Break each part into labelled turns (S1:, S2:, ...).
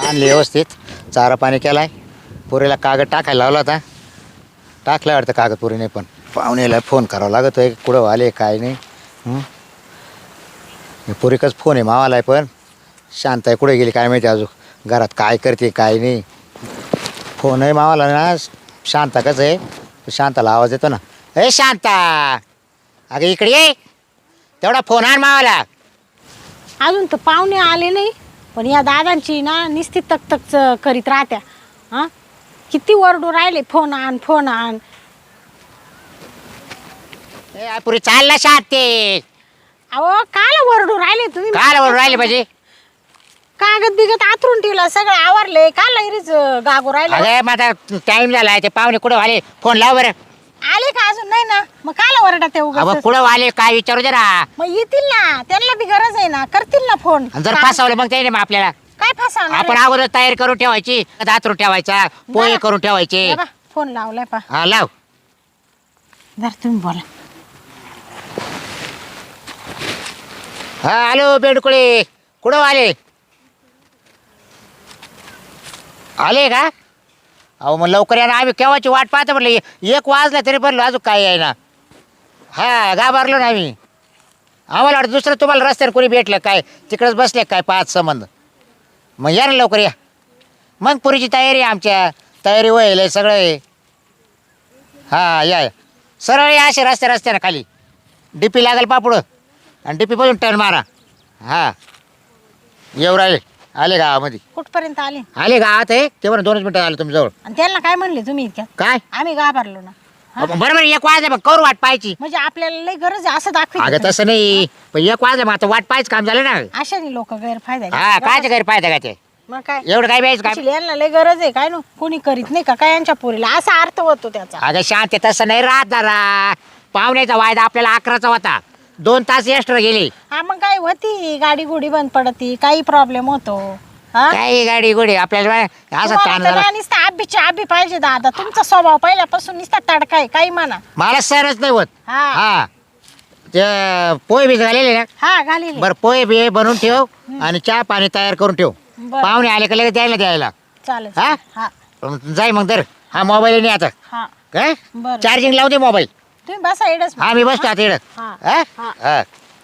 S1: आणली व्यवस्थित, चारा पाणी केलाय, पुरीला कागद टाकायला लावला होता, टाकला वाटतं कागद पुरीने. पण पाहुणेला फोन करावा लागत आहे, कुठं आले काय नाही. पुरीकच फोन आहे मावाला आहे, पण शांत आहे कुठे गेली काय माहिती, अजून घरात काय करते काय नाही. फोन आहे मावाला ना, शांता कसं आहे, शांताला आवाज येतो ना, ए शांता अगं इकडे ये, तेवढा फोन आण मावाला.
S2: अजून तर पाहुणे आले नाही, पण या दादांची ना निस्ती तक करीत राहत्या. हां किती वरडू राहिले, फोन आण फोन आण.
S1: ए पुरी चाल ना शांते,
S2: अहो काल वरडू राहिले तुम्ही,
S1: काय बोलून राहिले पाहिजे.
S2: कागद बिगत आथरून ठेवला, सगळं आवरले, काल लहरीच गागो राहिले.
S1: अरे माझा टाइम झाला, ते पाहुणे कुठं आले, फोन लाव बरं.
S2: आले का अजून नाही ना, मग काल वरडा ते
S1: अगं
S2: उगाच.
S1: कुठं आले काय विचारू जरा.
S2: मग येतील ना, त्यांना बी गरज आहे ना, करतील ना फोन.
S1: जर फसवलं मग त्याने मग आपल्याला,
S2: काय फसवणार
S1: आपण अगोदर तयारी करून ठेवायची, दातरून ठेवायचा, पोहे
S2: बरं.
S1: करून ठेवायचे.
S2: फोन लावलाय पा.
S1: हा लाव.
S2: जर तुम्ही बोला.
S1: हा हॅलो बेडकुळे, कुठं आले, आले का? अहो मग लवकर या ना, आम्ही केव्हाची वाट पाहतो म्हटलं, 1 वाजला तरी भरलो, अजून काय आहे ना. हा घाबरलो ना आम्ही, आम्हाला वाटतं दुसरं तुम्हाला रस्त्यावर कोणी भेटलं काय, तिकडंच बसले काय 5 संबंध. मग या ना लवकर या. मग पुरीची तयारी आहे, आमच्या तयारी होईल आहे सगळं आहे. हा या सरळ या, असे रस्त्यानं खाली डीपी लागेल पापुडं, आणि डीपी पासून टर्न मारा. हा येऊ राहिले, आले गावामध्ये,
S2: कुठपर्यंत आले?
S1: आले गावात आहे ते, बरं 2 मिनिटं आले तुमच्याजवळ.
S2: आणि त्यांना काय म्हणले तुम्ही इतक्यात?
S1: काय
S2: आम्ही घाबरलो ना.
S1: बरोबर 1 वाजले, मग करू वाट पाहायची.
S2: म्हणजे आपल्याला लई गरज आहे असं दाखवायचं.
S1: अगं तसं नाही, पण 1 वाजले मग आता वाट पाहायचं काम झालं ना.
S2: अशाने लोक गैरफायदा
S1: हा कायच्या घरी पाहिजे का ते,
S2: मग काय
S1: एवढं काय प्यायचं काय.
S2: actually यांना लई गरज आहे काय, नो कोणी करीत नाही का काय यांच्या पोरीला, असा अर्थ होतो त्याचा.
S1: अगं शांत आहे, तसं नाही राहत जरा. पाहुण्याचा वायदा आपल्याला 11चा होता, 2 तास एक्स्ट्रा गेली.
S2: हा मग काय होती, गाडी गुडी बंद पडती, काही प्रॉब्लेम होतो. हा
S1: काही गाडी गोडी आपल्याला असं ताण झाला.
S2: नुसता आबी पाहिजे दादा, तुमचा स्वभाव पहिल्यापासून नुसता तडका आहे, काही म्हणा.
S1: मला सरच नाही होत.
S2: हा
S1: हा ते पोहे बी झालेले ना,
S2: हा घाली
S1: बरं पोहे बी बनवून ठेव, आणि चहा पाणी तयार करून ठेव.
S2: बरं.
S1: पाहुणे आले का लगेच द्यायला.
S2: चालेल.
S1: हा?
S2: हा
S1: जाय मग तर, हा मोबाईल नाही आता
S2: हा
S1: काय,
S2: बरं.
S1: चार्जिंग लावू दे मोबाईल.
S2: तुम्ही बसा एडच.
S1: हा मी बसतो आता इकडं.
S2: हा.
S1: हा?
S2: हा.
S1: हा.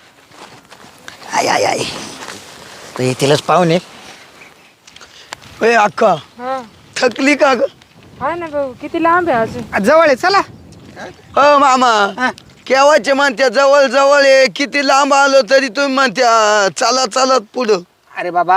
S1: आय तर येतीलच पाहुणे.
S3: ए अक्का,
S4: हा
S3: थकली का ग?
S4: हा ना भाऊ, किती लांब आहे अजून.
S3: जवळ आहे चला. हो मामा, केव्हाचे म्हणत्या जवळ जवळ आहे, किती लांब आलो तरी तुम्ही म्हणत्या चला चालत पुढं.
S5: अरे बाबा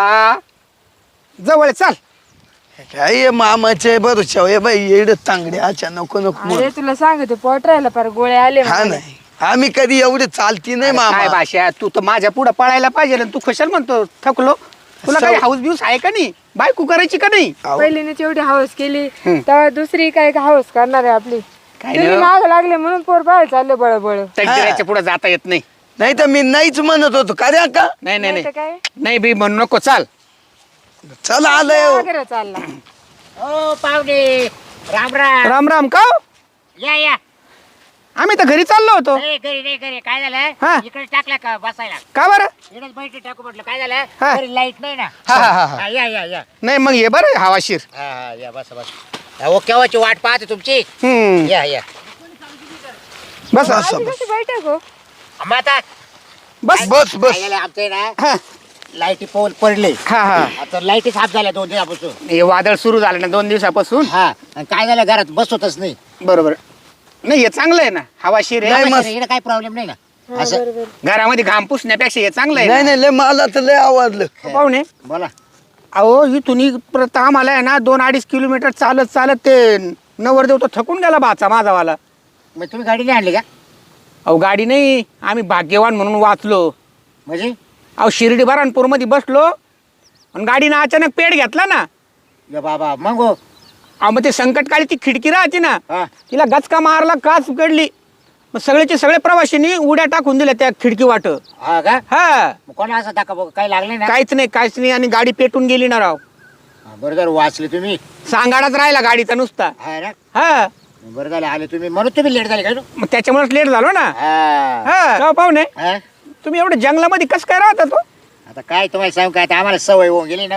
S5: जवळ चाल.
S3: काय मामाचे भरोशा आहे बाई, एड तांगडे अच्छा नको नको
S4: अरे तुला सांगते पोट राहिला पार गोळे आले
S3: हा
S4: मला.
S3: नाही, आम्ही कधी एवढे चालती नाही
S5: अरे काय
S3: मामा.
S5: भाषा, तू तर माझ्या पुढे पळायला पाहिजे ना, तू कशाला म्हणतो थकलो. तुला काही हाऊस बिऊस आहे का नाही, बायको करायची का नाही?
S3: अहो,
S4: पहिलीने तेवढी हाऊस केली, तेव्हा दुसरी काय हाऊस करणार आहे आपली.
S5: काय
S4: तुम्ही
S5: नाही.
S4: माग लागले म्हणून पोर बाहेर चालले बळबळ.
S5: तकदीराच्या पुढे जाता येत नाही.
S3: नाही तर मी नाहीच म्हणत होतो का रे अक्का.
S5: नाही नाही
S4: नाही तर
S5: नाही
S4: काय
S5: नाही बी म्हणू नको, चाल.
S3: चला आलंय हो.
S4: वगैरे चालला.
S1: ओ पाहुणे, राम राम.
S5: राम राम. का हो?
S1: या
S5: आम्ही तर घरी चाललो होतो.
S1: घरी काय
S5: हा.
S1: झालं, इकडे टाकला का बसायला,
S5: का बरं?
S1: इकडेच बैठी टाकू म्हटलं. काय झालं,
S5: हा.
S1: घरी लाईट नाही ना.
S5: हा, हा, हा, हा.
S1: हा, या
S5: नाही मग ये बरं हवाशीर.
S1: हा या बस. अहो केव्हाची वाट पाहते तुमची. या
S5: बस
S4: आधी कशी बैठक हो.
S1: मग आता
S5: बस.
S3: बस बस.
S1: काय झालं आमचे ना,
S5: हा
S1: लाईटी पोल पडले.
S5: हा हा.
S1: आता लाईटी साफ झाल्या 2 दिवसापासून.
S5: हे वादळ सुरू झालं ना 2 दिवसापासून.
S1: हा आणि काय झालं, घरात बसवतच नाही.
S5: बरोबर. नाही हे चांगलं आहे ना, हवाशीर आहे.
S3: नाही, मस्त.
S1: इकडे काही प्रॉब्लेम नाही ना.
S4: हा,
S1: असं
S4: बरोबर.
S5: घरामध्ये घाम पुसण्यापेक्षा हे चांगलं आहे
S3: नाही
S5: ना.
S3: नाही लय मला तर लय आवडलं.
S5: पाहुणे,
S1: बोला.
S5: अहो इथून परत आम्हाला आहे ना 2-2.5 किलोमीटर चालत ते नवरदेव तो थकून गेला भाचा माझावाला.
S1: मग तुम्ही गाडी नाही आणली का?
S5: अहो गाडी नाही, आम्ही भाग्यवान म्हणून वाचलो.
S1: म्हणजे
S5: अहो शिर्डी बऱ्हाणपूरमध्ये बसलो आणि गाडीनं अचानक पेट घेतला ना.
S1: या बाबा मग हो.
S5: अहो मग ते संकटकाळी ती खिडकी राहते ना,
S1: हा.
S5: तिला गचका मारला, काच उघडली. मग सगळेचे सगळे प्रवाशांनी उड्या टाकून दिल्या त्या खिडकी वाट.
S1: हा का?
S5: हा
S1: मग कोणा असं दाखवा बघ, काही लागले ना.
S5: काहीच नाही आणि गाडी पेटून गेली ना राव.
S1: बरं झालं वाचले तुम्ही.
S5: सांगाडाच राहिला गाडीचा नुसता.
S1: हा ना,
S5: हा
S1: बरं झालं आले तुम्ही, म्हणून तुम्ही लेट झाले का?
S5: मग त्याच्यामुळेच लेट झालो ना.
S1: हा.
S5: हा पाहुणे,
S1: हा?
S5: तुम्ही एवढं जंगलामध्ये कसं काय राहता तो?
S1: आता काय तुम्हाला सांगू काय, आता आम्हाला सवय होऊन गेली ना हो.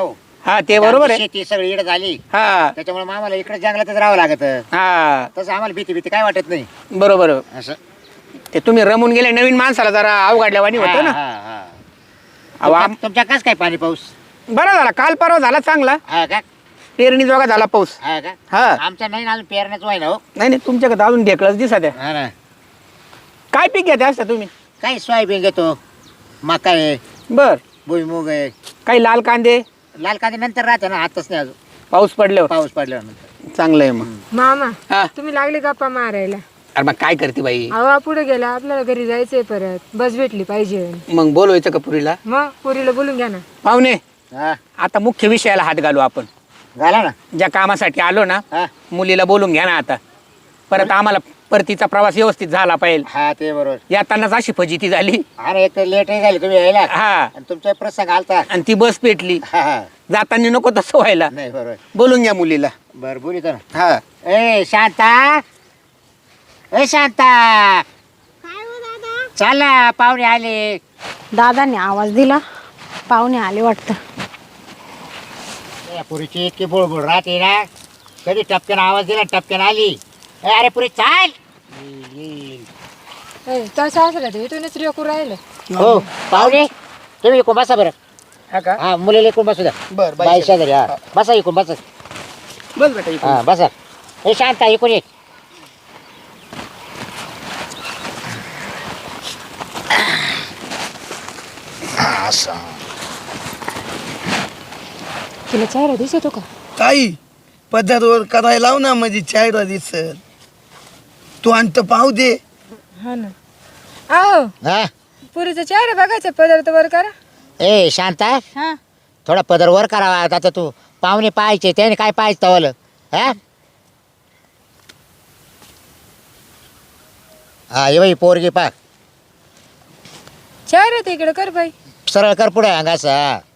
S5: हा ते बरोबर आहे.
S1: शेती सगळी इकडे झाली
S5: हा
S1: त्याच्यामुळे आम्हाला इकडे जंगलातच राहावं लागत.
S5: हा
S1: तसं आम्हाला भीती काय वाटत नाही
S5: बरोबर.
S1: असं.
S5: ते तुम्ही रमून गेले नवीन माणसाला जरा अवघडल्यावानी होतं ना.
S1: हा, हा.
S5: अहो,
S1: तुमच्या कस काय पाणी पाऊस?
S5: बरं झाला काल परवा झाला चांगला.
S1: हा का?
S5: पेरणी जोगा झाला पाऊस.
S1: हा का?
S5: हा
S1: आमच्या नाही ना अजून पेरण्याचं व्हाय ना हो.
S5: नाही नाही तुमच्याकडे अजून ढेकळच दिसत आहे.
S1: हा ना.
S5: काय पीक घेते असता तुम्ही?
S1: काही सोयाबीन घेतो, मका आहे,
S5: बर.
S1: भुईमुग आहे.
S5: काही लाल कांदे
S1: लाल कांदे नंतर राहते ना, आताच नाही अजून.
S5: पाऊस पडल्यावर.
S1: पाऊस पडल्यानंतर.
S5: चांगलं आहे मग.
S4: मामा
S5: हा
S4: तुम्ही लागले गप्पा मारायला.
S5: अरे मग काय करते बाई?
S4: हवा पुढे गेला आपल्याला घरी जायचंय परत बस भेटली पाहिजे.
S5: मग बोलवायचं का पुरीला?
S4: मग पुरीला बोलून घ्या ना.
S5: पाहुणे
S1: हा
S5: आता मुख्य विषयाला हात घालू आपण.
S1: झाला ना.
S5: ज्या कामासाठी आलो ना
S1: हा
S5: मुलीला बोलून घ्या ना आता. परत आम्हाला परतीचा प्रवास व्यवस्थित झाला पाहिजे.
S1: हा ते बरोबर.
S5: येतानाच अशी फजिती झाली.
S1: अरे एक तर लेटही झाली तुम्ही यायला
S5: हा
S1: आणि तुमचा प्रसंग आलता.
S5: आणि ती बस पेटली.
S1: हा, हा.
S5: जाताना नको तसं व्हायला.
S1: नाही बरोबर.
S5: बोलून घ्या मुलीला.
S1: बरं बोलित ना.
S5: हा
S1: ए शांता, ए शांता,
S2: काय हो दादा?
S1: चाल ना पाहुणे आले.
S2: दादाने आवाज दिला, पाहुणे आले वाटतं.
S1: ए, पुरीची इतकी बुळबुळ राहते ना, कधी टपक्यानं आवाज दिला टपक्यानं आली. ए, अरे पुरी चाल.
S4: तसं असलं तर इथूनच रेकू राहिलं.
S1: हो पाहुणे तुम्ही इकडून बसा बरं.
S5: हा का?
S1: हा मुलीला इकडून बसू द्या.
S5: बर
S1: बाई शेजारी. हा बसा इकडून बसा.
S5: बस बेटा इकडे.
S1: हा बसा. ए शांता इकडून ये. असं.
S4: तुला चेहरा दिसतो का?
S3: ताई पदरवर करायला लाव ना म्हणजे चेहरा दिसल. तू आणत पाहू दे.
S4: हा ना. आहो
S1: हा
S4: पुरीचा चेहरा बघायचा पदार्थ वर करा.
S1: ए शांता
S2: हा
S1: थोडा पदर वर करावा. आता तू पाहुणे पाहायचे त्याने काय पाहायचं तवलं. हा हा ये बाई पोरगी पा
S4: चेहरा तिकडे कर बाई.
S1: सरळ कर पुढे अंगाचा.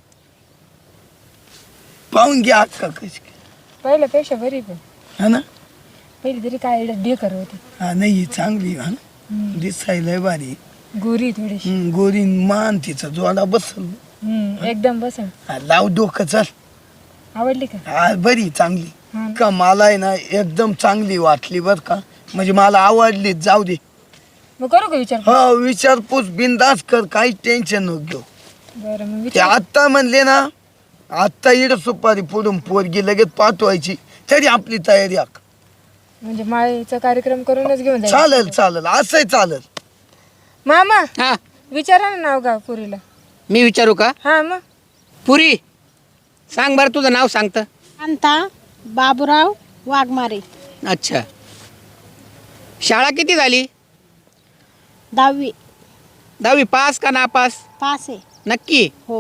S3: पाहून घ्या अक्का कशी
S4: पहिल्यापेक्षा बरी पण
S3: हा ना.
S4: पहिली तरी काय ढेकर होती.
S3: हा नाही चांगली हा ना. दिसायला भारी.
S4: गोरी थोडीशी.
S3: गोरी मान तिचा जोडा बसल.
S4: एकदम बसन.
S3: हा, लाव डोकं चल.
S4: आवडली का?
S3: हा बरी चांगली.
S4: हा.
S3: का मला आहे ना एकदम चांगली वाटली बर का. म्हणजे मला आवडली. जाऊ दे.
S4: मग करू का विचार?
S3: हा विचारपूस बिंदास कर. काही टेन्शन नको घेऊ.
S4: बरं मग
S3: ते
S4: विचार.
S3: आत्ता म्हणले ना आत्ता इड सुपारी फोडून पोरगी लगेच पाठवायची तरी आपली तयारी आख.
S4: म्हणजे माळीचा कार्यक्रम करूनच घेऊन जायचं.
S3: चालेल चालेल असंही चालेल.
S4: मामा
S5: हा
S4: विचारा ना नाव गाव पुरीला.
S5: मी विचारू का?
S4: हा मग
S5: पुरी सांग बरं तुझं नाव सांगतं.
S2: शांता बाबूराव वाघमारे.
S5: अच्छा. शाळा किती झाली?
S2: 10वी.
S5: 10वी पास का नापास?
S2: पास आहे.
S5: नक्की?
S2: हो.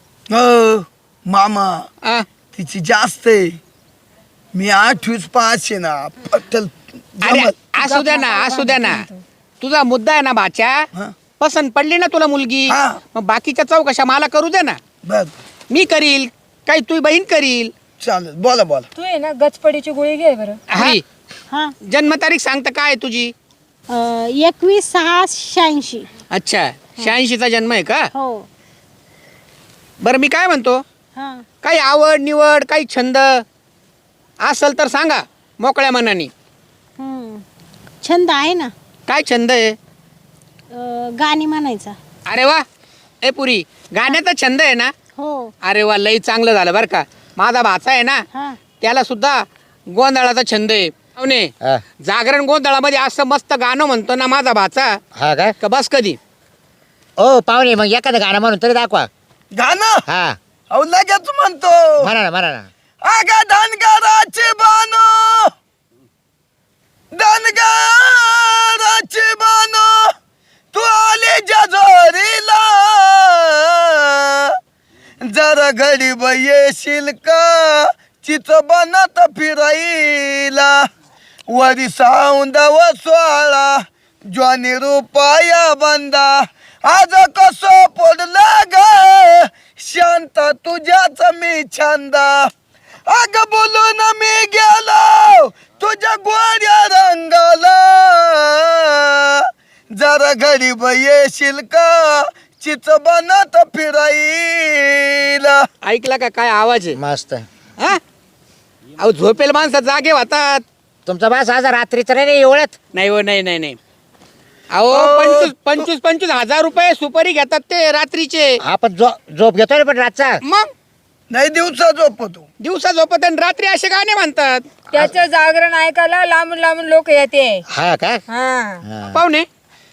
S3: मामा
S5: आ,
S3: तिची जास्त आहे. मी 8वीच पास आहे ना. पटल
S5: अरे
S3: जमल.
S5: असू द्या ना असू द्या ना. तुझा मुद्दा आहे ना बाच्या.
S3: हा,
S5: पसंत पडली ना तुला मुलगी.
S3: हा.
S5: मग बाकीच्या चौकशा मला करू दे ना.
S3: बर
S5: मी करील काही तुझी बहीण करील.
S3: चालेल. बोला बोला.
S4: तू आहे ना गचपडीची गोळी घे बरं.
S5: पुरी
S2: हा
S5: जन्मतारीख सांगता काय आहे तुझी?
S2: 21/6/86.
S5: अच्छा 86चा जन्म आहे का?
S2: हो.
S5: बरं मी काय म्हणतो
S2: हा
S5: काही आवड निवड काही छंद असेल तर सांगा मोकळ्या मनाने.
S2: छंद आहे ना.
S5: काय छंद आहे?
S2: गाणी म्हणायचा.
S5: अरे वा. ए पुरी गाण्याचा छंद आहे ना?
S2: हो.
S5: अरे वा लई चांगलं झालं बरं का. माझा भाचा आहे ना
S2: हा
S5: त्याला सुद्धा गोंधळाचा छंद आहे. पाहुणे
S1: हा
S5: जागरण गोंधळामध्ये असं मस्त गाणं म्हणतो ना माझा भाचा
S1: हा काय.
S5: का बस कधी.
S1: ओ पाहुणे मग एखादं गाणं म्हणून तरी दाखवा.
S3: गाणं
S1: हा
S3: अहो लगेच म्हणतो.
S1: म्हणा ना म्हणा ना.
S3: अगं धनगराची बानो धनगराची बानो तू आली जजोरीला जरा घडी येशील का चिच बनत फिराईला वरी साऊंदव सोळा ज्वानी रुपया बंदा आज कसं पडलं ग शांत तुझ्याच मी छंदा अग बोलून मी गेलो तुझ्या गोड्या रंगाला जरा घडी येशील का चिच बनत फिराईला
S5: ऐकला का काय आवाज आहे
S1: मस्त.
S5: हा अहो झोपेल माणसं जागे होतात.
S1: तुमचा बास आज रात्रीचं नाही एवढ्यात.
S5: नाही हो नाही अहो
S3: अहो,
S5: 25 हजार रुपये सुपारी घेतात ते रात्रीचे.
S1: आपण झोप घेतोय ना पण रातचा.
S5: मग
S3: नाही दिवसा झोपतो.
S5: दिवसा झोपत आणि रात्री असे गाणे म्हणतात.
S4: त्याचं जागरण ऐकायला लांबून लांबून लोक येते.
S1: हा का?
S4: हा
S1: हा.
S5: पाहुणे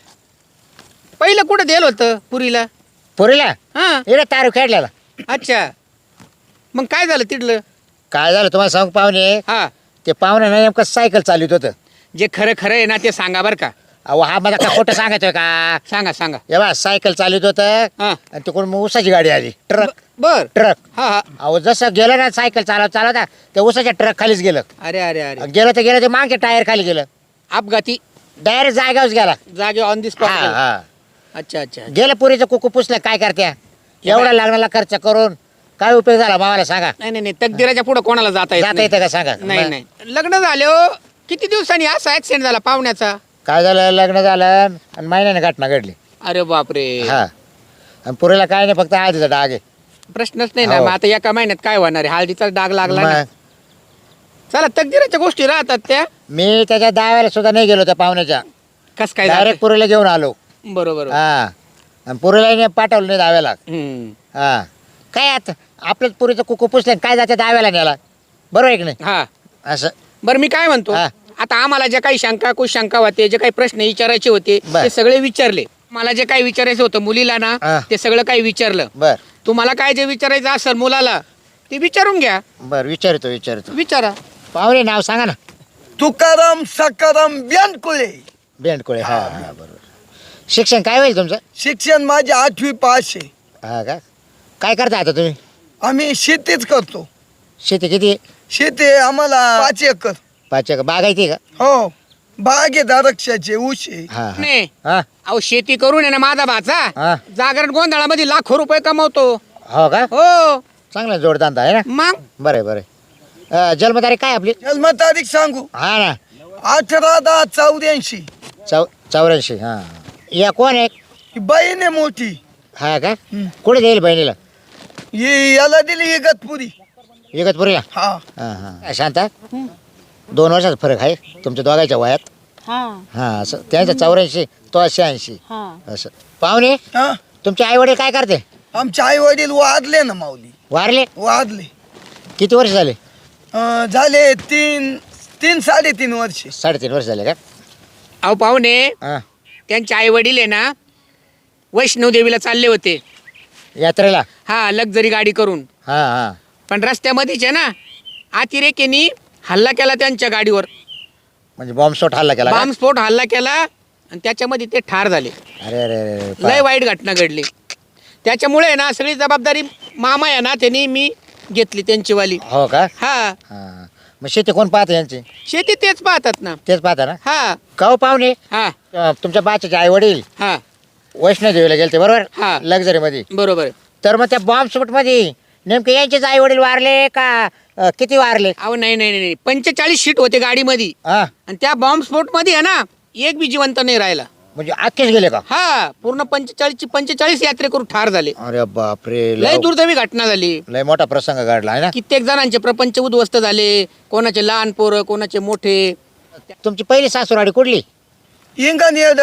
S5: पहिलं कुठं दिलं होतं पुरीला?
S1: पुरीला
S5: हा
S1: इकडे तारू खेळलेला.
S5: अच्छा मग काय झालं तिथलं?
S1: काय झालं तुम्हाला सांगू पाहुणे,
S5: हा
S1: ते पाहुणे नाही नेमकं सायकल चालवत होतं.
S5: जे खरं खरं आहे ना ते सांगा बरं का.
S1: अहो हा मला का खोटं सांगायचंय का?
S5: सांगा
S1: हे बा सायकल चालवत होतं
S5: हा
S1: आणि तिकडून मग उसाची गाडी आली. ट्रक
S5: बर
S1: ट्रक.
S5: हा हा
S1: अहो जसं गेलं ना सायकल चालवता ते उसाच्या ट्रक खालीच गेलं.
S5: अरे अरे अरे
S1: गेलं ते मागचे टायर खाली गेलं.
S5: अपघाती
S1: डायरेक्ट जागाच गेला.
S5: जागे ऑन दी स्पॉट.
S1: हा हा
S5: अच्छा अच्छा
S1: गेलं पुरीचं कुकू पुसलं काय करत्या एवढा लागणारा खर्च करून काय उपयोग झाला मामाला सांगा.
S5: नाही तकदीराच्या पुढे कोणाला जाता येत
S1: जाता येतं का सांगा.
S5: नाही नाही लग्न झाले हो किती दिवसांनी असा ऍक्सिडेंट झाला पाहुण्याचा?
S1: काय झालं लग्न झालं आणि महिन्याने घटना घडली.
S5: अरे बापरे.
S1: हा आणि पुरीला काय नाही फक्त आधीचा डाग आहे.
S5: प्रश्नच नाही ना.
S1: हो.
S5: मग आता एका महिन्यात काय होणार आहे? हळदीचा डाग लागला ना.
S1: मग
S5: चला तकदीराच्या गोष्टी राहतात त्या.
S1: मी त्याच्या दाव्याला सुद्धा नाही गेलो त्या पाहुण्याच्या.
S5: कस काय
S1: डायरेक्ट पुरीला घेऊन आलो.
S5: बरोबर.
S1: हा आणि पुरीला नाही पाठवलं नाही दाव्याला.
S5: हम्म.
S1: हा काय आता आपल्याच पुरीचं कुकू पुसलं काय जाते दाव्याला न्याला. बरोबर आहे की नाही
S5: हा
S1: असं.
S5: बरं मी काय म्हणतो
S1: हा.
S5: आता आम्हाला जे काही शंका कुशंका होते जे काही प्रश्न विचारायचे होते
S1: बर.
S5: ते सगळे विचारले. मला जे काही विचारायचं होतं मुलीला ना
S1: हा.
S5: ते सगळं काही विचारलं.
S1: बर
S5: तुम्हाला काय जे विचारायचं असेल मुलाला ते विचारून घ्या.
S1: बर विचारतो
S5: विचारा.
S1: पाहुणे नाव सांगा ना.
S3: तुकाराम सकाराम बेनकुळे.
S1: बेंडकुळे. हा हा बरोबर. शिक्षण काय होईल तुमचं?
S3: शिक्षण माझे 8वी पास आहे.
S1: हा का? काय करता आता तुम्ही?
S3: आम्ही शेतीच करतो.
S1: शेती किती?
S3: शेती आहे आम्हाला 5 एकर.
S1: 5 एकर बागायती का?
S3: हो बाग आहे द्राक्षाचे ऊस आहे.
S1: हा हा.
S5: नाही
S1: हा
S5: अहो शेती करून आहे ना माझा
S1: हा.
S5: भाचा जागरण गोंधळामध्ये लाखो रुपये कमवतो.
S1: हो का?
S5: हो
S1: चांगला जोडधंदा आहे ना.
S5: मग
S1: बरं जन्मतारीख काय आपली?
S3: जन्मतारीख सांगू
S1: हा ना
S3: 18/10/84.
S1: 84. हा या कोण आहे?
S3: ही बहीण आहे मोठी.
S1: हा का?
S3: हम्म.
S1: कुठे देईल बहिणीला?
S3: याला दिली इगतपुरी.
S1: इगतपुरीला.
S3: हा
S1: हा हा शांता 2 वर्षाचा फरक आहे तुमच्या दोघांच्या वयात.
S2: हा
S1: हा असं त्यांचं 84 तो 86
S2: हा
S1: असं. पाहुणे
S3: हा
S1: तुमचे आई वडील काय करते?
S3: आमचे आई वडील वारले ना माऊली.
S1: वारले?
S3: वारले
S1: किती वर्ष झाले?
S3: झाले 3-3.5 वर्ष.
S1: 3.5 वर्ष झाले का?
S5: अहो पाहुणे
S1: हा
S5: त्यांचे आई वडील आहे ना वैष्णव देवीला चालले होते.
S1: यात्रेला.
S5: हा लक्झरी गाडी करून.
S1: हा हा
S5: पण रस्त्यामध्येच आहे ना अतिरेक्यानी हल्ला केला त्यांच्या गाडीवर.
S1: म्हणजे बॉम्बस्फोट हल्ला केला का?
S5: बॉम्बस्फोट हल्ला केला आणि त्याच्यामध्ये ते ठार झाले.
S1: अरे अरे अरे
S5: लय वाईट घटना घडली. त्याच्यामुळे ना सगळी जबाबदारी मामा आहे ना त्यांनी मी घेतली त्यांची वाली.
S1: हो का?
S5: हा
S1: हा मग शेती कोण पाहते यांची?
S5: शेती तेच पाहतात ना.
S1: तेच पाहता ना.
S5: हा
S1: का हो पाहुणे
S5: हा
S1: तुमच्या बाच्याचे आई वडील
S5: हा
S1: वैष्णोदेवीला गेलते बरोबर?
S5: हा.
S1: लक्झरी मध्ये.
S5: बरोबर.
S1: तर मग त्या बॉम्बस्फोट मध्ये नेमके यांचेच आई वडील वारले का किती वारले?
S5: अहो नाही 45 सीट होते गाडीमध्ये
S1: हा
S5: आणि त्या बॉम्बस्फोट मध्ये आहे ना एक बी जिवंत नाही राहिला.
S1: म्हणजे अख्खेच गेले का?
S5: हा पूर्ण 45 यात्रेकरू ठार झाले.
S1: अरे बापरे
S5: लय दुर्दैवी घटना झाली.
S1: लय मोठा प्रसंग घडला आहे ना.
S5: कित्येक जणांचे प्रपंच उद्ध्वस्त झाले. कोणाचे लहान पोरं कोणाचे मोठे.
S1: तुमची पहिली सासूराडी कुठली?
S3: इंगण येड.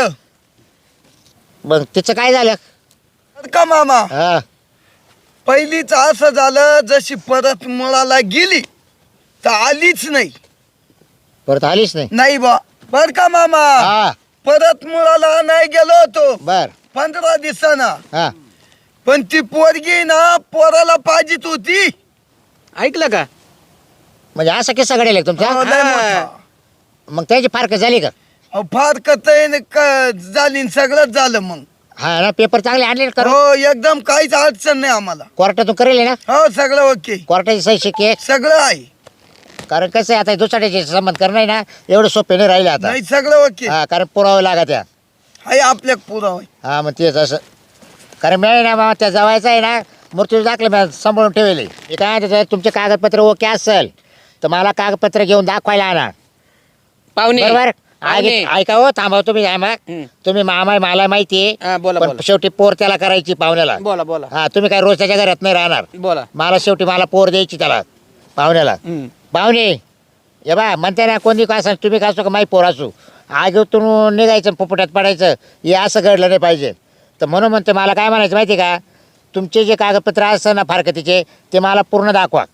S1: मग तिचं काय झालं?
S3: का मामा
S1: हा
S3: पहिलीच असं झालं जशी परत मुळाला गेली तर आलीच नाही.
S1: परत आलीच नाही.
S3: नाही बा बर का मामा
S1: हा
S3: परत मुळाला नाही गेलो होतो
S1: बर
S3: 15 दिवसांना.
S1: हा
S3: पण ती पोरगी ना पोराला पाहिजेत होती.
S5: ऐकलं का?
S1: म्हणजे असा किस्सा घडेल
S3: हो,
S1: तुमचा?
S3: लय मोठा.
S1: मग त्याची फारकत झाली का?
S3: अहो, फार झाली न सगळंच झालं मग.
S1: हा ना पेपर चांगले आणले करू.
S3: हो एकदम काहीच अडचण नाही आम्हाला.
S1: कोर्टातून करेल ना?
S3: हो सगळं ओके
S1: कोर्टाची सही शिक्के.
S3: सगळं आहे.
S1: कारण कसं आहे आता दुसऱ्याचे संबंध करणं आहे ना एवढं सोपे नाही राहिले आता.
S3: नाही सगळं ओके
S1: हा कारण पुरावे लागत त्या.
S3: आहे आपल्या पुरावा.
S1: हा मग तेच असं कारण मी आहे ना बाबा त्या जवायचं आहे ना मृत्यू दाखले मी सांभाळून ठेवले. हे काय त्याचं तुमचे कागदपत्र ओके असेल तर मला कागदपत्र घेऊन दाखवायला आणा
S5: पाहुणे
S1: बरोबर. आगे ऐका हो, थांबा तुम्ही थांबा. तुम्ही मामा आहे, मला माहिती
S5: हा,
S1: आहे,
S5: बोला,
S1: पण
S5: बोला.
S1: शेवटी पोर त्याला करायची पाहुण्याला.
S5: बोला बोला
S1: हा, तुम्ही काय रोज त्याच्या घरात नाही राहणार.
S5: बोला.
S1: मला शेवटी मला पोर द्यायची त्याला पाहुण्याला. पाहुणे ये बा म्हणते ना, कोणी का असं तुम्ही का असो का माही पोर असू, आगीतून निघायचं पुपुट्यात पडायचं, हे असं घडलं नाही पाहिजे. तर म्हणून म्हणते मला काय म्हणायचं माहिती का, तुमचे जे कागदपत्र असतं ना फारकतीचे ते मला पूर्ण दाखवा.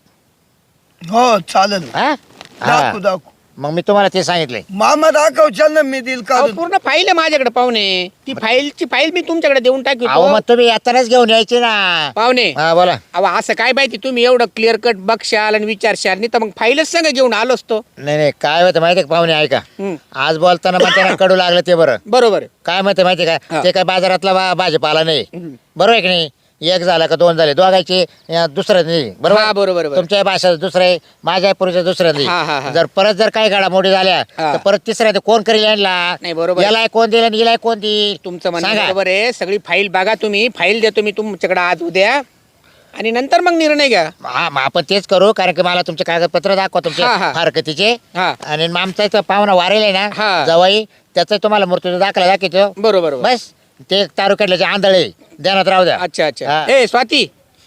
S3: हो चालेल.
S1: हा
S3: दाखवू दाखवू.
S1: मग मी तुम्हाला ते सांगितलंय.
S3: मामा दाखवशाल ना, मी दिल
S5: अहो,
S3: काढून.
S5: पूर्ण फाईल आहे माझ्याकडे पाहुणे. ती फाईल मी तुमच्याकडे देऊन
S1: अहो
S5: टाकतो
S1: मग तुम्ही आताच घेऊन यायचे ना.
S5: पाहुणे.
S1: हा बोला.
S5: अहो असं काय माहिती, तुम्ही एवढं क्लिअर कट बघशाल आणि विचारशाल, नाही तर मग फाईलच संग घेऊन आलो असतो.
S1: नाही नाही, काय होतं माहिती का पाहुणे, ऐका.
S5: हम्म.
S1: आज बोलताना म्हणताना कडू लागलं ते बरं.
S5: बरोबर आहे.
S1: काय म्हणते माहिती का,
S5: हा.
S1: ते काय बाजारातला भाजीपाला नाही. बरोबर आहे की नाही. एक झाला का दोन झाले, दोघायचे दुसरं नाही.
S5: हा,
S1: बरोबर
S5: बरोबर.
S1: तुमच्या भाषा दुसरं आहे, माझ्या पुरुषा दुसरं
S5: हा, हा, हा.
S1: नाही. जर परत जर काही घडामोडी झाल्या
S5: हा.
S1: तर परत तिसऱ्या कोण करेल यांना.
S5: नाही, बरोबर.
S1: याला कोण दिलं आणि हिला कोण देईल.
S5: तुमचं म्हणणं
S1: सांगा.
S5: बरोबर आहे. सगळी फाईल बघा तुम्ही, फाईल देतो मी तुमच्याकडे आज उद्या, आणि नंतर मग निर्णय घ्या.
S1: हा मग आपण तेच करू, कारण की मला तुमचे कागदपत्र दाखवा तुमचे
S5: हा, हा.
S1: हरकतीचे.
S5: हा.
S1: आणि मग आमचा इथं पाहुणा वारेल आहे
S5: हा.
S1: ना जवाई, त्याचा तुम्हाला मृत्यू दाखला दाखवतो.
S5: बरोबर.
S1: बस ते तालुक्यातले आंधळे ध्यानात राहू द्या.
S5: अच्छा अच्छा.
S1: हा.
S5: ए स्वाती,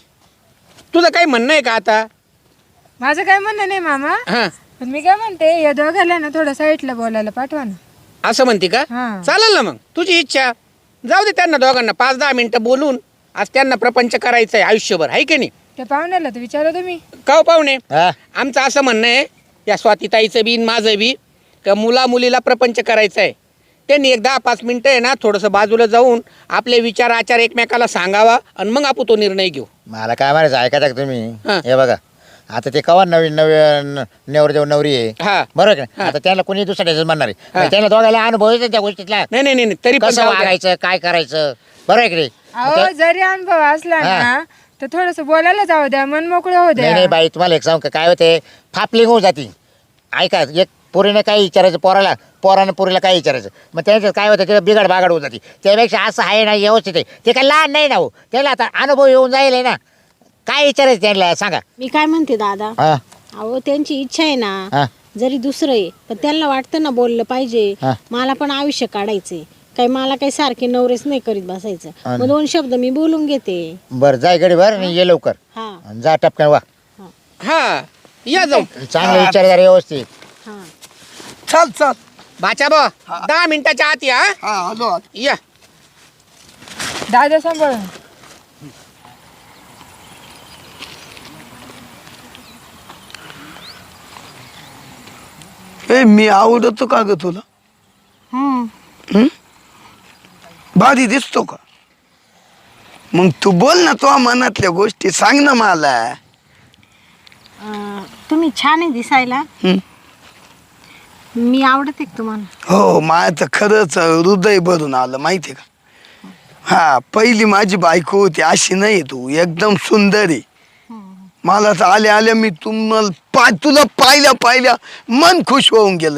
S5: तुझं काही म्हणणं आहे का आता?
S4: माझं काय म्हणणं नाही मामा,
S5: हा,
S4: पण मी काय म्हणते, या दोघांना ना थोडं साईडला बोलायला पाठवा ना.
S5: असं म्हणते का?
S4: हा.
S5: चालेल ना, मग तुझी इच्छा. जाऊ दे त्यांना दोघांना 5-10 मिनिटं बोलून. आज त्यांना प्रपंच करायचं आहे आयुष्यभर, आहे की नाही?
S4: त्या पाहुण्याला तर विचारा तुम्ही.
S5: का हो पाहुणे,
S1: हा.
S5: आमचं असं म्हणणं आहे, या स्वातीताईचं बी आणि माझं बी, का मुलीला प्रपंच करायचं आहे. त्यांनी एक 10-5 मिनिटं आहे ना थोडंसं बाजूला जाऊन आपले विचार आचार एकमेकाला सांगावा, आणि मग आपण तो निर्णय घेऊ.
S1: मला काय म्हणायचं ऐकायचं का
S5: हा.
S1: तुम्ही. हे बघा, आता ते कवा नवीन नवरदेव नवरी आहे.
S5: हा.
S1: बरोबर का.
S5: हा.
S1: आता त्यांना कोणी दुसऱ्याच म्हणणार आहे.
S5: हा.
S1: म्हणजे त्यांना दोघायला अनुभव येतो त्या गोष्टीतला,
S5: नाही नाही नाही, तरी पण
S1: कसं
S5: जाऊ द्या.
S1: वागायचं काय करायचं. बरोबर आहे की नाही.
S4: अहो, जरी अनुभव असला
S1: हा.
S4: ना तर थोडस बोलायला जाऊ द्या, मन मोकळं होऊ
S1: नाही नाही
S4: द्या.
S1: बाई, तुम्हाला एक सांगू का, काय होते फापलिंग होऊन जाती. ऐका, एक पोरीने काय विचारायचं पोरानं पोरीला काय विचारायचं, मग त्याच्यात काय होतं ते बिघड बागड होऊन जाते. त्यापेक्षा असं आहे ना व्यवस्थित आहे. ते काय लहान नाही ना हो, त्याला आता अनुभव येऊन जाईल ना. काय विचारायचं त्यांना सांगा.
S2: मी काय म्हणते दादा,
S1: हा
S2: अहो त्यांची इच्छा आहे
S1: हा.
S2: ना, जरी दुसरं आहे पण त्यांना वाटतं ना बोललं पाहिजे.
S1: हा.
S2: मला पण आयुष्य काढायचंय, काही मला काही सारखे नवरेच नाही करीत बसायचं.
S1: हा.
S2: मग 2 शब्द मी बोलून घेते.
S1: बरं जाय गडी भर आणि ये लवकर.
S2: हा
S1: आणि जा टपकन वा.
S5: हा, या जाऊ.
S1: चांगले विचार जरा व्यवस्थित.
S2: हा.
S3: चाल चाल.
S5: बाचा बा 10 मिनिटाच्या आत या.
S3: हा आलो आलो.
S5: या.
S4: दादा सांभाळून.
S3: ए मी आवडतो का ग तुला?
S2: हम्म.
S3: भारी दिसतो का? मग तू बोल ना, तुझ्या मनातल्या गोष्टी सांग ना मला.
S2: तुम्ही छान आहे दिसायला.
S3: हं?
S2: मी आवडते का तुम्हाला?
S3: हो, माझं तर खरंच हृदय भरून आलं माहिती का. हा, पहिली माझी बायको होती अशी नाही, तू एकदम सुंदर आहे. मला तर आल्या आल्या मी तुला पाहिल्या मन खुश होऊन गेलंय.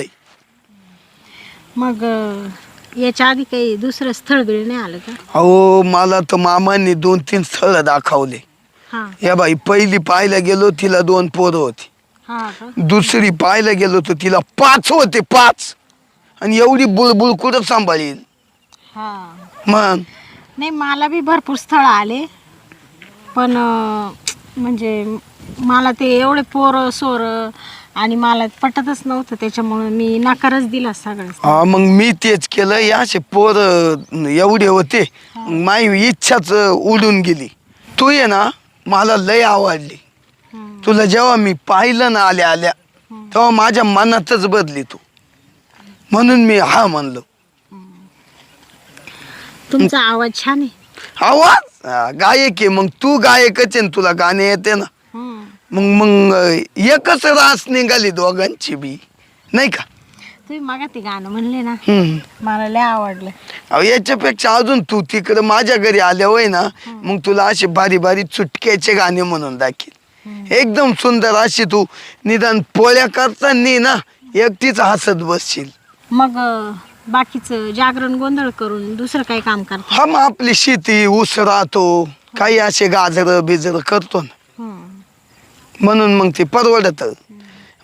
S2: मग याच्या आधी काही दुसरं स्थळ बिळ नाही आलं का?
S3: अहो, मला तर मामांनी 2-3 स्थळ दाखवले.
S2: हा.
S3: या बाई, पहिली पाहायला गेलो तिला 2 पोरं होती.
S2: हा का?
S3: दुसरी पाहायला गेलो तर तिला 5 होते, 5. आणि एवढी बुळबुळ कुठं सांभाळील.
S2: हा.
S3: मग
S2: नाही, मला बी भरपूर स्थळ आले, पण म्हणजे मला ते एवढे पोरं सोर आणि मला पटतच नव्हतं, त्याच्यामुळे मी नकारच दिला सगळं.
S3: हा, मग मी तेच केलं. या असे पोर एवढे होते, माझी इच्छाच उडून गेली. तू ये ना, मला लय आवडली. तुला जेव्हा मी पाहिलं ना आल्या आल्या, तेव्हा माझ्या मनातच बदली तू. म्हणून मी हा म्हणलो.
S2: तुमचा आवाज छान आहे.
S3: आवाज गायक आहे. मग तू गायकच आहे ना, तुला गाणे येते ना. मग एकच रास निघाली दोघांची बी, नाही का.
S2: तुम्ही मागा ते गाणं म्हणले ना,
S3: हम्म.
S2: मला लय आवडलं.
S3: अहो, याच्यापेक्षा अजून तू तिकडे माझ्या घरी आल्या होय ना, मग तुला असे भारी भारी चुटक्याचे गाणे म्हणून दाखील. एकदम सुंदर अशी तू निदान पोळ्या करताना ना एकटीच हसत बसशील.
S2: मग बाकीचं जागरण गोंधळ करून दुसरं काही काम करता?
S3: हा, मग आपली शेती ऊस राहतो, काही असे गाजर बिजर करतो ना, म्हणून मग ते परवडत.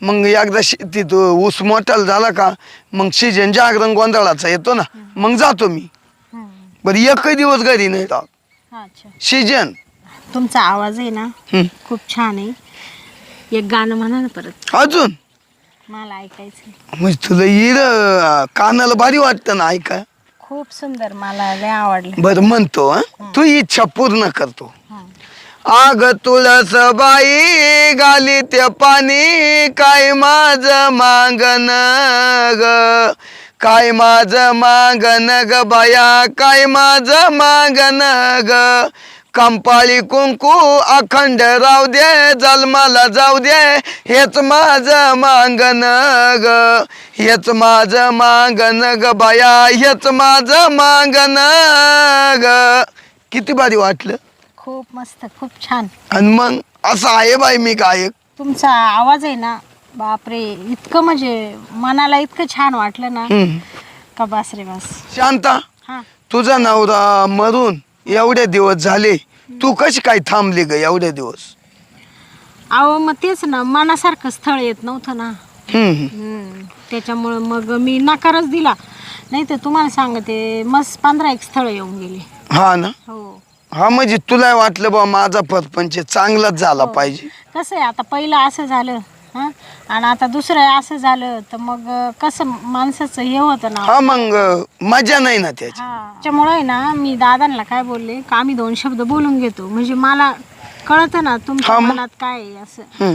S3: मग एकदा शेतीत ऊस मोठाला झाला का मग सीजन जागरण गोंधळाचा येतो ना मग जातो मी. बरं एकही दिवस घरी नाही राहत.
S2: अच्छा,
S3: सीजन.
S2: तुमचा आवाज आहे ना खूप छान आहे. एक गाणं म्हणा ना परत,
S3: अजून
S2: मला ऐकायचं.
S3: म्हणजे तुला इर कानाला भारी वाटतं ना ऐका.
S2: खूप सुंदर, मला लय आवडलं.
S3: बरं म्हणतो तू इच्छा पूर्ण करतो. आग तुळस बाई गाली ते पाणी काय माझ मागन ग, काय माझ मागन ग बाया, काय माझ मागन ग. कंपाळी कुंकू अखंड राहू दे, जन्माला जाऊ दे, हेच माझ मागन ग, हेच माझ मागन ग बाया, हेच माझ मागन ग. किती भारी वाटलं.
S2: खूप मस्त, खूप छान.
S3: आणि मग असं आहे बाई मी गायक.
S2: तुमचा आवाज आहे ना, बापरे, इतकं म्हणजे मनाला इतकं छान वाटलं ना का बास रे बास.
S3: शांता,
S2: हा,
S3: तुझा नवरा मरून एवढे दिवस झाले, तू कशी काय थांबली ग एवढे दिवस?
S2: अहो मग तेच ना, मनासारखं स्थळ येत नव्हतं ना. त्याच्यामुळं मग मी नकारच दिला. नाही तर तुम्हाला सांगते मस्त 15 स्थळ येऊन गेले.
S3: हा ना.
S2: हो.
S3: हा म्हणजे तुला वाटलं बा माझा परपंच चांगलाच झाला पाहिजे.
S2: कसं आहे, आता पहिलं असं झालं हां, आणि आता दुसरं असं झालं, तर मग कसं माणसाचं हे होतं ना.
S3: हा मग मजा नाही ना त्याची.
S2: त्याच्यामुळे आहे ना, मी दादांना काय बोलले का आम्ही 2 शब्द बोलून घेतो, म्हणजे मला कळतं ना तुमच्या मनात काय आहे असं.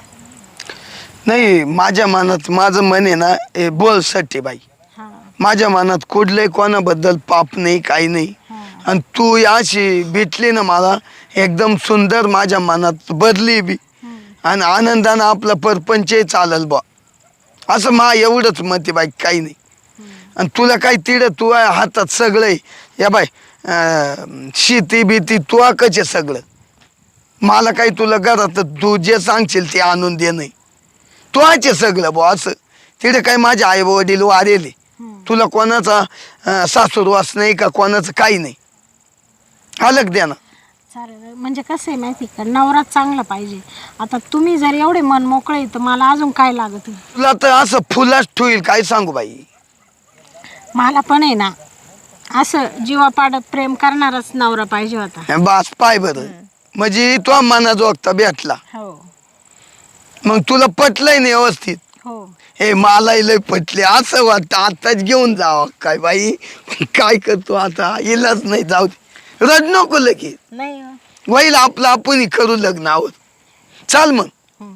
S3: नाही माझ्या मनात माझं मन आहे ना हे बोल सट्टे बाई.
S2: हां,
S3: माझ्या मनात कुठलंही कोणाबद्दल पाप नाही, काही नाही. आणि तू अशी भेटली ना मला एकदम सुंदर, माझ्या मनात बदली बी आणि आनंदानं आपला परपंच चालल बा, असं मा एवढंच मत आहे बाई, काही नाही. आणि तुला काही तिड तू आहे हातात सगळं आहे. या बाय शेती बीती तू कचे सगळं, मला काही तुला घरात तू जे सांगशील ते आणून दे नाही, तू आहे सगळं बा. असं तिथे काही माझे आई वडील वारेले, तुला कोणाचा सासूरवास नाही का कोणाचं काही नाही. अलग द्या ना.
S2: चालेल. म्हणजे कसं आहे माहिती का, नवरा चांगला पाहिजे. आता तुम्ही जर एवढे मन मोकळे तर मला अजून काय लागत.
S3: तुला तर असं फुलाच ठेवील काय सांगू बाई.
S2: मला पण आहे ना असं जीवापाड प्रेम करणारच नवरा पाहिजे होता.
S3: बास पाय बरं, म्हणजे तो मनाजोगता भेटला.
S2: हो
S3: मग तुला पटलंय नाही व्यवस्थित.
S2: हो.
S3: हे मलाही लय पटले, असं वाटतं आताच घेऊन जावं काय बाई. काय करतो आता, इलाज नाही, जाऊ दे, रड नको लगेच.
S2: नाही
S3: होईल आपलं आपण करू लग्न आहोत. चाल मग.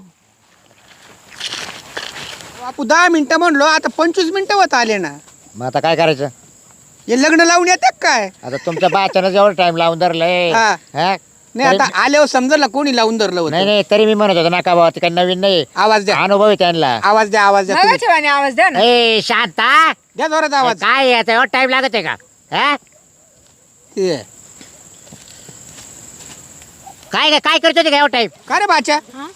S5: बापू 10 मिनिटं म्हणलो, आता 25 मिनिटं होत आले ना.
S1: मग आता काय करायचं?
S5: हे लग्न लावून येतात काय?
S1: आता तुमच्या बाच्यानं जेवढं टाइम लावून धरलंय.
S5: हा.
S1: हा?
S5: नाही आता आल्यावर समजलं कोणी लावून धरलं
S1: नाही
S5: होतं.
S1: नाही, तरी मी म्हणत होतो नका बाबा, ते काही नवीन नाही,
S5: आवाज द्या,
S1: अनुभव आहे त्यांना.
S5: आवाज द्या, आवाज द्या तुम्ही.
S4: मगाच्या वाणी आवाज द्या ना.
S1: ए शांता,
S5: द्या जोरात आवाज.
S1: काय आता एवढा टाइम लागत आहे का? हा?
S5: ये.
S1: काय काय करतो ते एवढा टाइम?
S5: का रे बाच्या?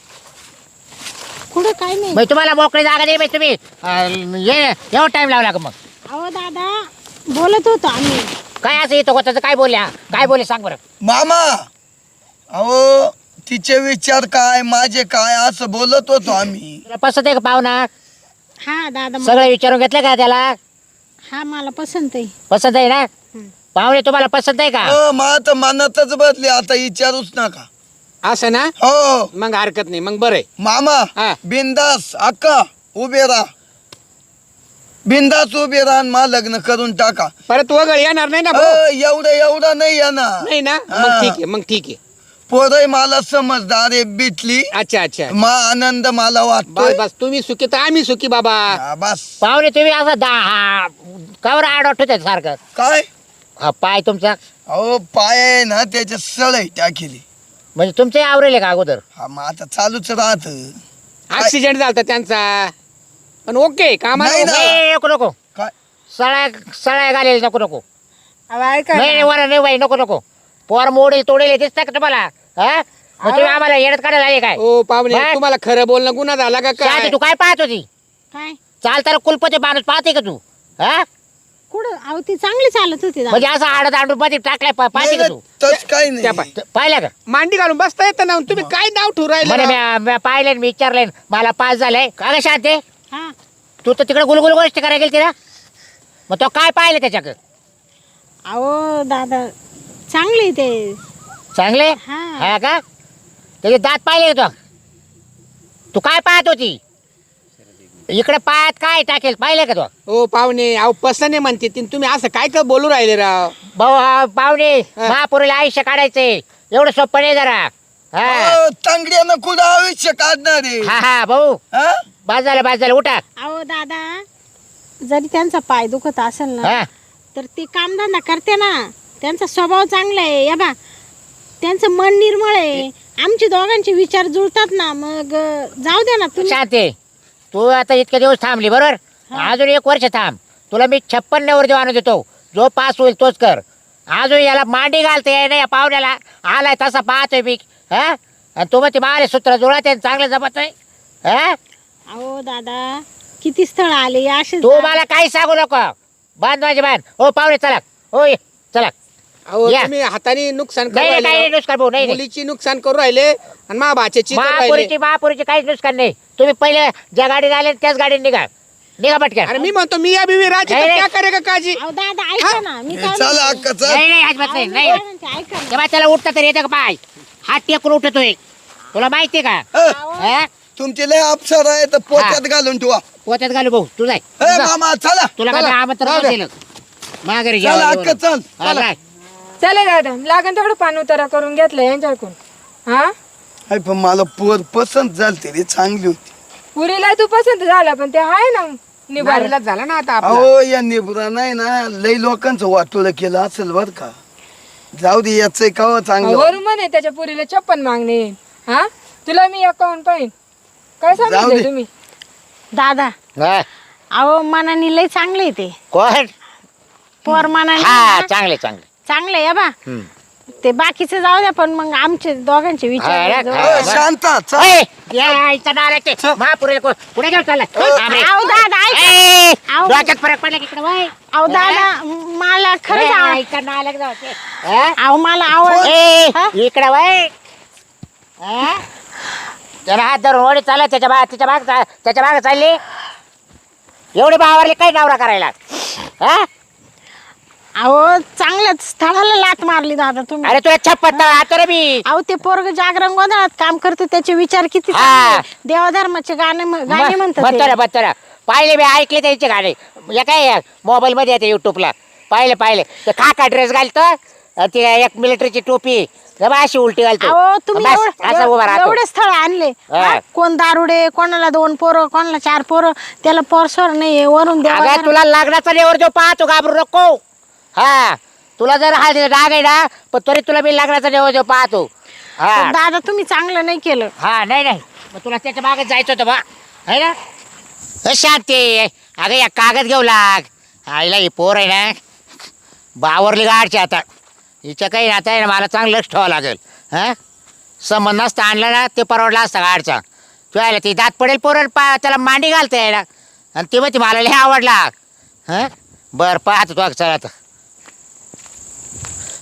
S2: कुठं काय नाही.
S1: मग तुम्हाला मोकळी जागा दे बाई, तुम्ही एवढा टाइम लावला का मग?
S2: अहो दादा, बोलत होतो आम्ही.
S1: काय असं येतो त्याचं, काय बोलल्या, काय बोलले सांग बरं.
S3: मामा, अहो तिचे विचार काय माझे काय असं बोलत होतो आम्ही.
S1: तुला पसंत आहे का पाहुणा?
S2: हा दादा,
S1: सगळं विचारून घेतलं का त्याला?
S2: हा मला पसंत आहे.
S1: पसंत आहे ना? पाहुणे तुम्हाला पसंत आहे का?
S3: मग आता मनातच बदले, आता विचारूच नका.
S5: असं ना,
S3: हो
S5: मग हरकत नाही, मग बरं आहे.
S3: मामा,
S5: हा.
S3: बिंदास अक्का उभे राहा, बिंदास उभे राहा, मा लग्न करून टाका.
S5: परत वगळ येणार नाही ना भाऊ?
S3: एवढं नाही येणार.
S5: नाही ना,
S3: हा.
S5: मग ठीक आहे, मग ठीक आहे.
S3: पोरही मला समजदार आहे, भेटली
S5: अच्छा अच्छा,
S3: मा आनंद मला
S5: बस
S3: वाटतोय.
S5: बस, तुम्ही सुखी तर आम्ही सुखी बाबा.
S3: बस.
S1: पाहुणे तुम्ही असं कावर आड वाटत सारखं.
S3: काय
S1: पाय तुमचा
S3: अहो पाय आहे ना त्याच्या सळई टाकेली.
S1: म्हणजे तुमचे आवरेले का अगोदर?
S3: हा मग आता चालूच राहत.
S5: ऍक्सिडेंट झाला त्यांचा, पण ओके कामाला
S3: नाही ना.
S1: नाही, नको नको,
S3: काय
S1: सळ्या सळ्या घालेल नको नको.
S4: अहो, ऐका
S1: नाही
S4: ना.
S1: वर नाही बाई, नको नको. पोर मोडेल तोडेल दिसतं का तुम्हाला? हा? मग तुम्ही आम्हाला येडत काढायला आले काय?
S5: ओ पाहुणे,
S1: काय?
S5: तुम्हाला खरं बोलणं गुन्हा झाला का
S1: शांती,
S5: काय?
S1: तू काय पाहत होती?
S2: काय
S1: चालताना कुलपती माणूस पाहते का तू? हा?
S2: कुठं अहो ती चांगली चालत होती दादा.
S1: म्हणजे असं आडत आडून मध्ये टाकलाय पाहिजे का तू
S3: तस काही
S5: त्या
S3: नाही
S5: पाय
S1: पाहिलं का
S5: मांडी घालून बसता येतं ना तुम्ही काय नाव ठेवू
S1: म्हणे
S5: राहिले
S1: मी पाहिलं मी विचारलंय मला पास झालंय का ग शांते
S2: हा
S1: तू तर तिकडे गुलगुल गोष्ट करायला गेली ना मग तो काय पाहिलं त्याच्याकडे
S2: अहो दादा चांगली ते
S1: चांगले
S2: हा.
S1: हा का त्याचे दात पाहिले का तू काय पाहत होती इकडे पायात काय टाकेल पाहिले का तू
S5: हो पाहुणे अहो पसने म्हणते ती, तुम्ही असं काय काय बोलू राहिले राव
S1: भाऊ हा, पाहुणे
S5: हा.
S1: महापुरीला आयुष्य काढायचे एवढं सोपं नाही जरा हा
S3: तांगड्यानं कुठं आयुष्य काढणार आहे
S1: हा हा भाऊ
S3: हा?
S1: बाज झालं उठा
S2: अहो दादा जरी त्यांचा पाय दुखत असेल ना
S1: हा
S2: तर ते कामधंदा करते ना त्यांचा स्वभाव चांगला आहे या बा त्यांचं मन निर्मळ आहे आमचे दोघांचे विचार जुळतात ना मग जाऊ द्या ना तुम्ही
S1: शांते तू आता इतके दिवस थांबली बरोबर अजून 1 वर्ष थांब तुला मी 56 वर आणून देतो जो पास होईल तोच कर अजून याला मांडी घालते नाही या पाहुण्याला आलाय तसा पाहतोय मी हा आणि तू मग ते मारे सूत्र जुळत आहे चांगलं जमत आहे हा
S2: अहो दादा किती स्थळ आले असे
S1: तू मला काही सांगू नको बांध माझे बांध हो पाहुणे चला हो ये चला
S5: अहो
S1: या.
S5: तुम्ही हाताने नुकसान करू
S1: नाही नाही, काही नाही
S5: राहिले
S1: नुकसान भाऊ नाही नाही.
S5: मुलीची नुकसान करू राहिले आणि मा भाच्याची करू राहिले
S1: महापुरीची काहीच नुकसान नाही तुम्ही पहिले ज्या गाडीत आले त्याच गाडीत निघा पटकन
S5: अरे मी म्हणतो मी या बिवी राजी
S1: नाही,
S5: तर
S1: नाही.
S5: क्या करेगा काजी
S2: अहो दादा ऐका ना मी काय
S3: चला
S2: म्हणते?
S3: अक्का चल
S1: नाही नाही अजिबात नाही
S2: अहो,
S1: नाही
S2: मी काय म्हणते, ऐका ना.
S1: तेव्हा त्याला उठता तरी येतं का पाय हात टेकून उठतोय तुला माहितीये का हा?
S3: तुमचे लय अप्सर आहे तर पोत्यात घालून ठेवा
S1: पोत्यात घालू भाऊ तू जाय
S3: ए मामा चला
S1: तुला
S5: चला,
S1: काय आमंत्रण
S5: जाऊ दे.
S1: दिलं माघारी
S3: चला
S1: जेवायला
S3: अक्का
S1: जेवण.
S3: चल
S1: हा, जाय.
S4: चले दादा लागन तेवढं पान उतारा करून घेतलं यांच्याकडून. हा
S3: अरे पण मला पोर पसंत झालती रे चांगली होती
S4: पुरीला तू पसंत झाला पण ते आहे ना निभार
S5: नारीलाच झाला ना आता आपला.
S3: अहो या निबरा नाही ना लई लोकांचं वाटोळं केलं असेल बर का जाऊ दे याच कावा चांगलं
S4: वरून म्हणे त्याच्या पुरीला 56 मागणे हा तुला मी अकाउंट पाहिन काय
S3: जाऊ
S4: सांगितलं
S3: दे.
S4: तुम्ही
S2: दादा
S1: हा.
S2: अहो मनाने लय चांगले आहे ते
S1: कोण
S2: पोर मनाने
S1: हा
S2: ना,
S1: चांगले चांगले
S2: चांगले या बा
S1: हम्म.
S2: ते बाकीचे जाऊ द्या पण मग आमचे दोघांचे
S1: हा,
S2: विचार
S1: रे,
S2: जुळतात.
S1: हा.
S3: ए, शांता चल
S1: ओय, या इथं नालायक ते. महापुरीला कुठे घेऊन चालला
S2: अहो दादा ऐका
S1: ए,
S2: अहो.
S1: डोक्यात फरक पडला की इकडे वय.
S2: अहो दादा मला खरंच
S1: ए, इथं नालायक जाऊ ते. हा?
S2: अहो मला आवड
S1: ए,
S2: हा?
S1: इकडे वय हा? त्याला हात धरून ओढी चालत त्याच्या भाग चालली एवढे बावरले काही नवरा करायला हा?
S2: अहो चांगल्याच स्थळाला लात मारली दादा तुम्ही
S1: अरे तुला छप्पन आता रे मी
S2: अहो ते पोरग जागरण गोंधळात काम करते त्याचे विचार किती
S1: हा.
S2: चांगले. देवाधर्माचे गाणे म्हणतात ते.
S1: बत्तर पाहिले मी ऐकले त्यांचे गाणे या काय मोबाईल मध्ये येते युट्यूबला पाहिले ते काका ड्रेस घालतो ते एक मिलिटरीची टोपी जरा अशी उलटी घालतो
S2: अहो तुम्ही
S1: बस, असं उभा राहतो
S2: एवढे स्थळ आणले
S1: हा.
S2: हा? कोण दारुडे कोणाला 2 पोरं कोणाला 4 पोरं त्याला पोरसोर नाही वरून
S1: अगं
S2: देवा
S1: तुला लग्नाचा लेवर जो पाहतो घाबरू नको हा तुला जर हा डाग आहे ना पण तरी तुला मी लग्नाचा लेवर जो पाहतो हा
S2: दादा तुम्ही चांगलं नाही केलं
S1: हा नाही मग तुला त्याच्या मागे जायचं होतं बा आहे ना शांती अगं या कागद घेऊ लाग आईला ही पोर आहे ना बावरली गाडची आता हिच्या काही आता आहे ना मला चांगलं लक्ष ठेवावं लागेल हां संबंध नसता आणला ना ते परवडला असता गाडचा तू आयला ती दात पडेल पोरण त्याला मांडी घालते आहे ना आणि ते मग ती मला लय आवडला हां बरं पाहतो तू चला आता